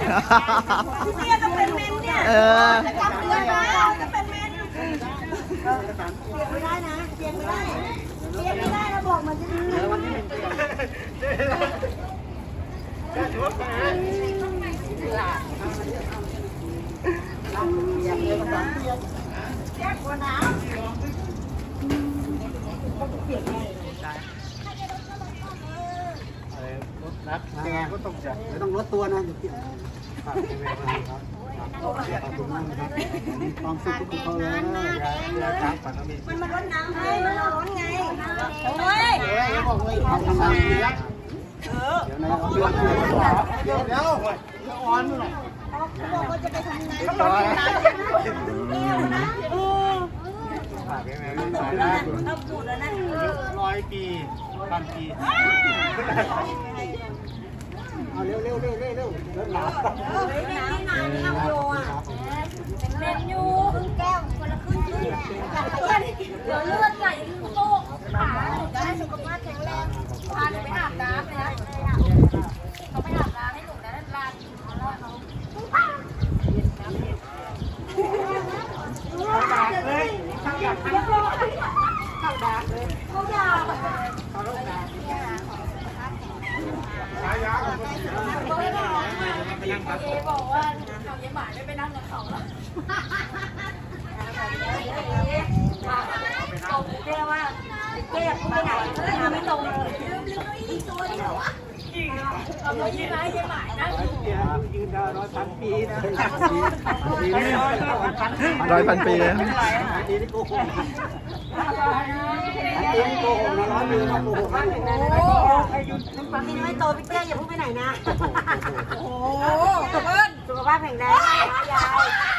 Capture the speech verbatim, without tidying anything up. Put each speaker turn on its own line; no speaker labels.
พี่เตี้ยต้องเป็นเมนเนี่ย
เออ
จะจำเดือนนะจะเป็นเมนเปลี่ยนไม่ได้นะเปลี่ยนไม่ได้เปลี่ยนไม่ได้นะบอกมันจะดีวันที่หนึ่งเปลี่ยนแก้กว่าน้ำ
รัดยังไงก็ต้องจัดไม่ต้องลดตัวนะเดี๋ยวเปลี่ยนฝากเป็นเวลาครับขอบคุณมากนะครับมีความสุขทุกคนเลยครับฝันมี
มันมาร้อนน้ำให้มันร้อนไงเฮ้ย
เดี๋ยวบอกเลยทำทำงานดีนะเดี๋ยวนะเดี๋ยวเดี๋ยวเดี๋ยวอ่อนหน่อย
เขาบอกว่าจะไปทำงานเขาร้อนน้ำแก้วนะเออ
ฝากเป็นเวลาสายได้
เอาปูดแล้วนะ
ร้อยปีพันปีเอาเร็วเร็วเร็วเร็วเร็วเร็วหนา
เออไม่นานไม่นานนี่เอาโยอ่ะเล่นอยู่ครึ่งแก้วคนละครึ่งครึ่งเดี๋ยวเลือดไหลโตกขาจะให้สุขภาพแข็งแรงพาหนูไปอาบน้ำเลยนะเขาไปอาบน้ำให้หนูนะลานเขาด่าเลยเขาด่าเขาด่าเลยเขาด่าเขาด่า
สายยาว
เอบอกว่าเขาเยี่ยมหมายไม่ไปนั่งกับเขาแล้วตรงเจ๊ว่าเจ๊พูดไปไหนทำไม่ตรงเลยลืมลืมอีกตัวเดียวอ่ะเอาไปยี่ไหมเยี่ยมหมายนะ
ยืนได้ร้อยพันปีนะ
ร้อยพันปี
ปีนี่โกหกปีนี่โกหกนะร้อยปีนะโกหกนะ
พี่ไม่โตพี่เตี้ยอย่าพูดไปไหนนะโอ้โหสุขภาพสุขภาพแข็งแรงนะยาย